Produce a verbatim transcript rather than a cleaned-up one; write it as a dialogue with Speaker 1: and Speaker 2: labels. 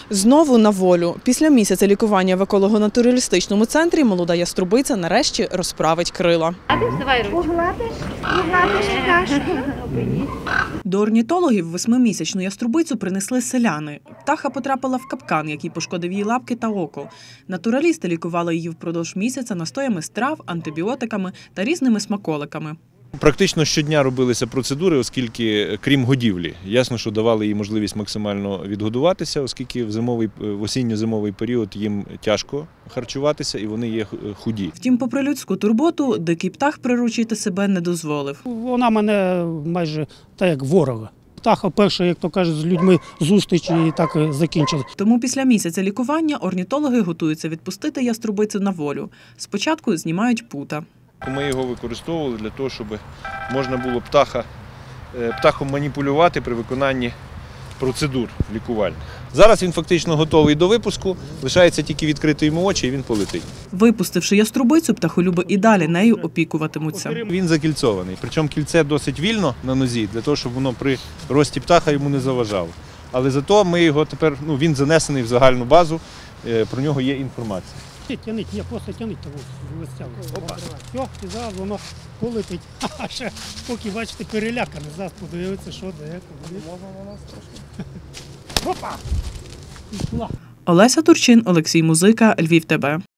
Speaker 1: Знову на волю. Після місяця лікування в еколого-натуралістичному центрі молода яструбиця нарешті розправить крила.
Speaker 2: А ти вставай ручку.
Speaker 3: Погладиш, погладиш пташку.
Speaker 1: До орнітологів восьмимісячну яструбицю принесли селяни. Птаха потрапила в капкан, який пошкодив її лапки та око. Натуралісти лікували її впродовж місяця настоями з трав, антибіотиками та різними смаколиками.
Speaker 4: Практично щодня робилися процедури, оскільки, крім годівлі, ясно, що давали їй можливість максимально відгодуватися, оскільки в зимовий, в осінньо-зимовий період їм тяжко харчуватися і вони є худі.
Speaker 1: Втім, попри людську турботу, дикий птах приручити себе не дозволив.
Speaker 5: Вона мене майже так як ворога. Птаха перша, як то кажуть, з людьми зустріч і так закінчили.
Speaker 1: Тому після місяця лікування орнітологи готуються відпустити яструбицю на волю. Спочатку знімають пута.
Speaker 4: Ми його використовували для того, щоб можна було птаха, птахом маніпулювати при виконанні процедур лікувальних. Зараз він фактично готовий до випуску, лишається тільки відкрити йому очі і він полетить.
Speaker 1: Випустивши яструбицю, птахолюби і далі нею опікуватимуться.
Speaker 4: Він закільцований, причому кільце досить вільно на нозі, для того, щоб воно при рості птаха йому не заважало. Але зато ми його тепер, ну, він занесений в загальну базу, про нього є інформація.
Speaker 5: Тяніть, ні, просто тяніть того листями. Все, і зараз воно полетить. А ще поки, бачите, перелякане. Зараз подивиться, що де, коли. Можна на нас трошки. Опа! Пішла.
Speaker 1: Олеся Турчин, Олексій Музика, Львів ТБ.